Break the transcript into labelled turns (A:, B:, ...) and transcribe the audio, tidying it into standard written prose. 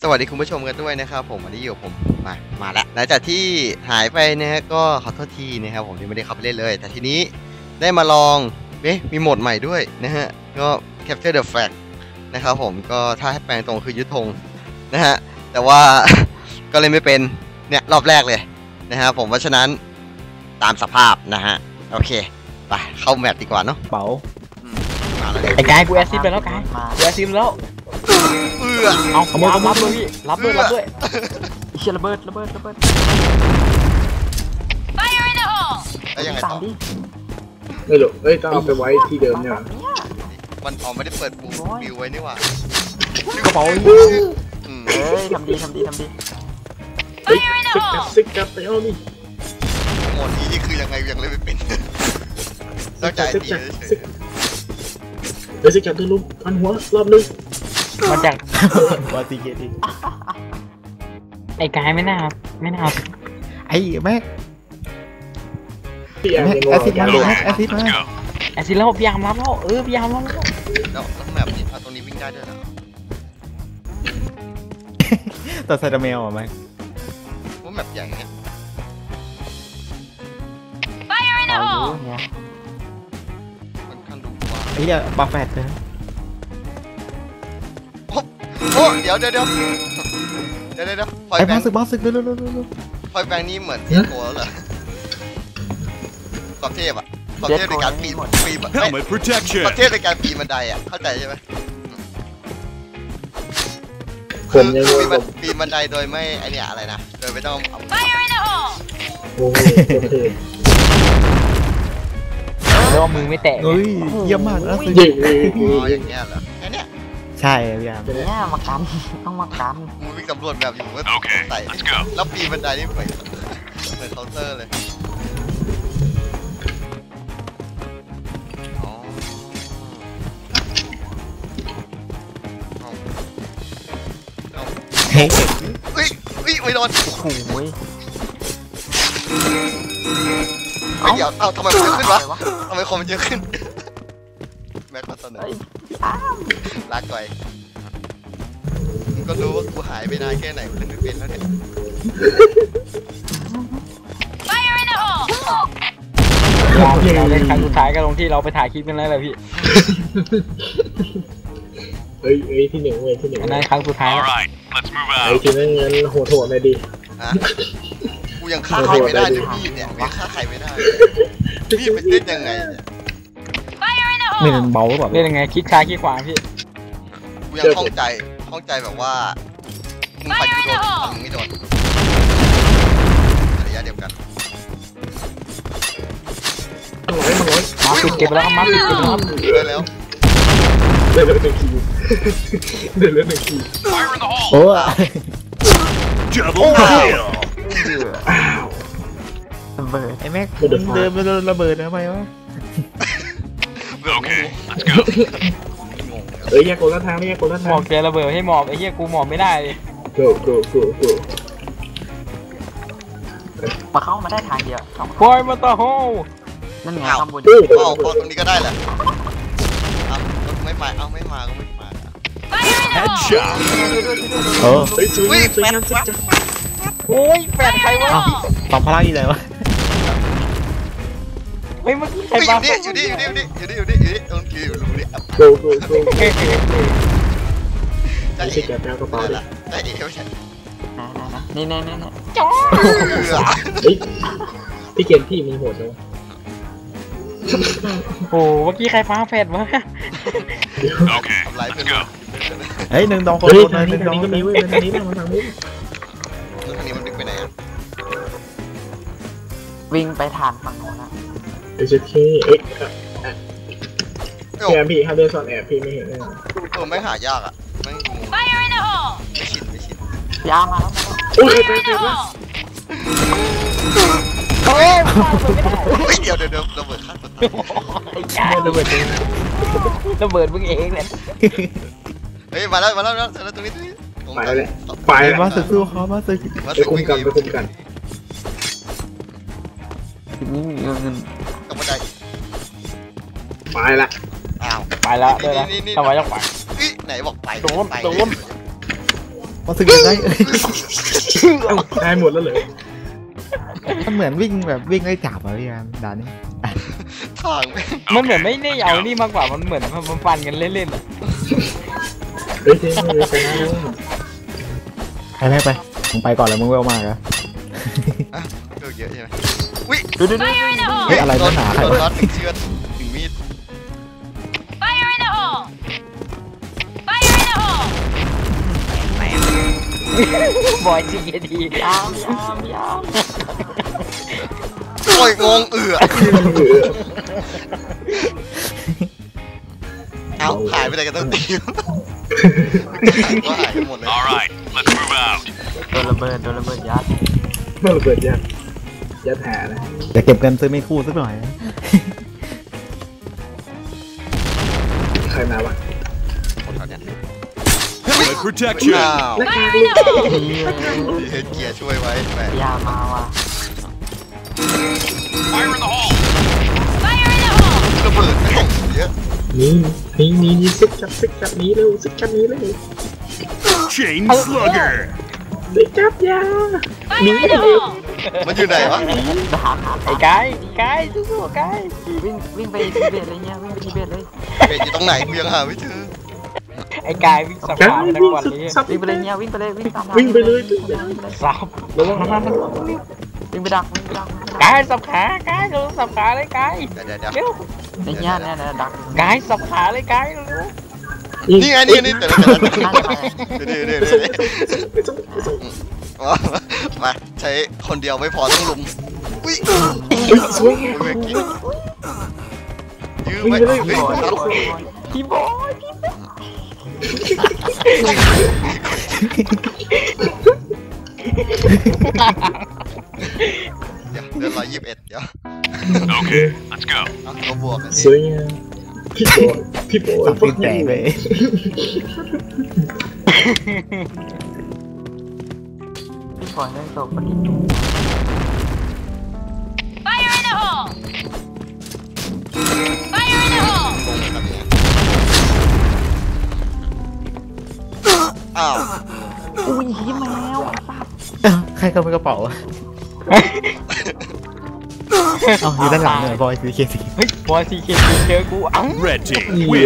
A: วัสดีคุณผู้ชมกันด้วยนะครับผมวันนี้อยู่ผมมาแล้วหลังจากที่หายไปนะฮะก็ขอโทษทีนะครับผมที่ไม่ได้เข้าไปเล่นเลยแต่ทีนี้ได้มาลองมีโหมดใหม่ด้วยนะฮะก็ Capture the Flag นะครับผมก็ถ้าให้แปลงตรงคือยึดธงนะฮะแต่ว่า ก็เล่นไม่เป็นเนี่ยรอบแรกเลยนะฮะผมเพราะฉะนั้นตามสภาพนะฮะโอเคไปเข้าแมปดีกว่าเนาะ
B: เป๋า
C: ไอ้กายกูแอสซิสไปแล้วกายกูแอสซิสแล้วเอาขโมยรับด้วยพี่รับด้วยเชี่ยระเบิด
A: แล้วยังไงต่อ
B: ไม่หรอกต้องเอาไปไว้ที่เดิมเนี่ย
A: มันไม่ได้เปิดบูบิวไว้นี่หว่าก
C: ระเป๋าทำดี
B: ซิกกับไปเอานี่
A: โหมดนี้นี่คือยังไงยังเล่นไม่เป็นต้องใจดีเฉย
B: เดี๋ยวซิกกับตัวลุกพันหัวรอบนึง
C: มาจาก
B: วาติเกติ
C: ไอ้กายไม่น่า
B: ไอ้แม็กแอซิดมา
C: แอสซิสแล้วพยายามรับแล้วพยายามรับ
A: แล้วแบบนี้ตรงนี้วิ่งได้ด้วยเหรอ
B: ตัวไซดาเมลไหม
A: ว่าแบบใหญ่เนี่ยมันคันดูว่า
B: ไอ้เนี่ยบาแฟตเลย
A: โอ้เดี๋ยว
B: ไอ้บ้าสึกเร็ว
A: พอยแบงนี้เหมือนโกแล้วเหรอความเทพอะความเทพในการปีนประเทศในการปีนบันไดอะเข้าใจใช่ไหมคือปีนบันไดโดยไม่ไอเนี่ยอะไรนะโดยไม่ต้องเอา
B: โอ้โห
C: เรียกว่ามือไม่แตก
B: เยี่ยมมากนะ
A: ยิงอย่างเงี้ยเหรอแค่เนี้ย
B: ใช่พี่ยาม
C: เนี่ยมากันต้องมากัน
A: มึงวิ่งสำรวจแบบอยู่ก็ใส่แล้วปีนบันไดนี่เหมือนเคาน์เตอร์เลย
B: เฮ้ย
A: ไม่โดน
C: โอ้โห
A: เดี๋ยวทำไมมันเยอะขึ้นวะทำไมคอมมันเยอะขึ้นแม็กมาเสนอลากไกลมึงก็รู้ว่ากูหายไปนานแค่ไหนกูเล่นไม่เป็นแล้วเนี่ย
C: เราเล่นครั้งสุดท้ายก็ลงที่เราไปถ่ายคลิปกันแล้วแหละพี่
B: เฮ้ยที่หนึ่งที่หนึ่ง
C: นั่นครั้งสุดท้าย
B: ไอ้ที่นั่นเงินโหดหน่อยดิ
A: กูยังฆ่าใครไม่ได้ด้วยพี่เนี่ยไม่ฆ่าใครไม่ได้พี่เป็นเล่นยังไงเนี่ย
B: ไม่เป็นเบาแบบ
C: เล่นยังไงคิดซ้ายคิดขวาพี่
A: กูยังข้องใจแบบว่ามึงไปกูโดนมึงไม่โดนระยะเดียวกัน
C: มาปิดเก็บแล้วมาปิดเก็บ
A: แล้ว
B: เดิน1 คิวโอ้
C: ระเบิด
B: ไอ้แม็กเดินไปโดนระเบิดทำไมวะแยกคนละทางแยกคนละทาง
C: หมอบแกระเบิดให้หมอบไอ้เหี้ยกูหมอบไม่ได้เลย
B: go
C: มาเข้ามาได้ทางเดียวปล่อยมาต่อโฮนั่นไงข้างบน
A: พอตรงนี้ก็ได้แหละไม่มาก็ไม่มา
B: Headshot
C: โอ้ยแปดใครวะ
B: สองพลังอยู่ไหนวะ
C: เฮ้ยเมื่อกี้ใครมา
A: อยู่นี่ตรงคิวรู้ดิ
B: go ไม่ใช่แกแปลกระเป๋าละ
A: ได้เอวใช่
C: นี่
A: จ้า
B: พี่เกมพี่มีโหดเลย
C: โอ้เมื่อกี้ใครฟ้าแฟดวะ
A: โอเคทำลายเพื่อน
B: เฮ้ย1 2 คนทางนี้ก็มีเว้ยทางนี้มันวิ่ง
A: ไปไหนอะ
C: วิ่งไปฐานฝั่งโน้นนะ
B: แกพี่ถ้าเดินซ่อนแอบพี่ไม่เห็นเลย
A: ไม่หายากอ่ะไม่ชิน
C: ยามาแล้ว
B: โอ้ย
A: เดี๋ยวระเบิดข้างตัว
C: ระเบิดมึงเองเลย
A: เฮ้ยมาแล้วตรงนี้
B: ไปมาสึกสู้เขามาสึกไปคุมกัน
C: นี่เงิน
A: กับบันได
B: ไปละ
C: ไปแล้วด้วยนะทำไมต้องไป
A: ไหนบอกไป
C: โดน
B: มาสึกยังไง
D: ได้หมดแล้วเลย
B: มันเหมือนวิ่งแบบวิ่งไล่จับอะพี่แอมด่านนี้
A: ทางแม่ง
C: มันเหมือนไม่ได้เอานี่มากกว่ามันเหมือนมันฟันกันเล่นๆอะ
D: เฮ้ยเจ๊เลยไปนะ
B: ไปไปมึงไปก่อนแล้วมึงเวลมากอะ
A: เลือกเยอะใช่ไหมอุ้ย
C: ดู
B: เฮ้ยอะไรนักหนาใคร
A: โดน
B: วะ
A: น็อตถึงเชือดถึงมีด
E: Fire in the hole! Fire in the hole!
C: บอยจีทียาม
A: โอ้ยงงเอาหายไปไหนกันตั้งตีมก็หายกันหมดเลย
F: All right, let's move out.
C: โดนระเบิดยัด
D: เมื่อเปิดยัดหานะ
B: จะเก็บเงินซื้อไม่คู่สักหน่อย
D: ใครมาวะ
A: คนแถวเนี้ย
F: Good protection.
A: อ้าว
D: หน้ากาก
E: Fire in the hole!
A: เฮดเกียร์ช่วยไว้แหม
C: ยามาว่ะ
F: Fire in the hole.
E: Fire in the hole!
A: ระเบิดแม่งเยอะ
D: นี่ซึกจับนี้เร็วซึกจับนี้เร็ว
F: Chain slugger.
D: ซึกจับยา
E: Fire in the hole!
A: มันอยู่ไหนวะ
C: ไอ้กายสู้ๆกายวิ่งไปทิเบตเลยเนี่ยวิ่งไปทิเบตเลย
A: เบสอยู่ตรงไหนกูยังหาไม่เจอ
C: ไอ้กายวิ่งสับ
D: จับ
C: ขาไปทั้งวันเลย
D: ซับ
C: วิ่งไปเลยเนี่ยวิ่งไปเลยวิ่งตาม
D: วิ่งไปเลย
C: สับระวังวิ่งไปดักกายสับขากายเราสับขาเลยกาย
A: เดี๋ยว
C: เร็วไอ้เนี่ยดักกายสับขาเลยกายเร็ว
A: นี่ไงนี่แต่เดี๋ยวมาใช้คนเดียวไม่พอต้องลุมอุ้ย
D: สวย
A: ยื้อไว้เฮ้ย
C: พี่บอย
A: เดือน121เดี๋ยว
F: Okay, let's go.
A: เราบวกกัน
D: สวยงามพี่โบ
B: สับปีนแตกเลย
C: พี่บอยได้ตกพอดี
E: Fire in the hole! Fire in the hole!
A: อ้าว
C: อุ้ยยิ้มแมว
B: ใครเข้าไปกระเป๋าอะเอาอยู่ด้านหลังเลยบอยซื้อเคสี
C: เฮ้ยบอยซีเคเจอกูเอ้า
F: Red team win.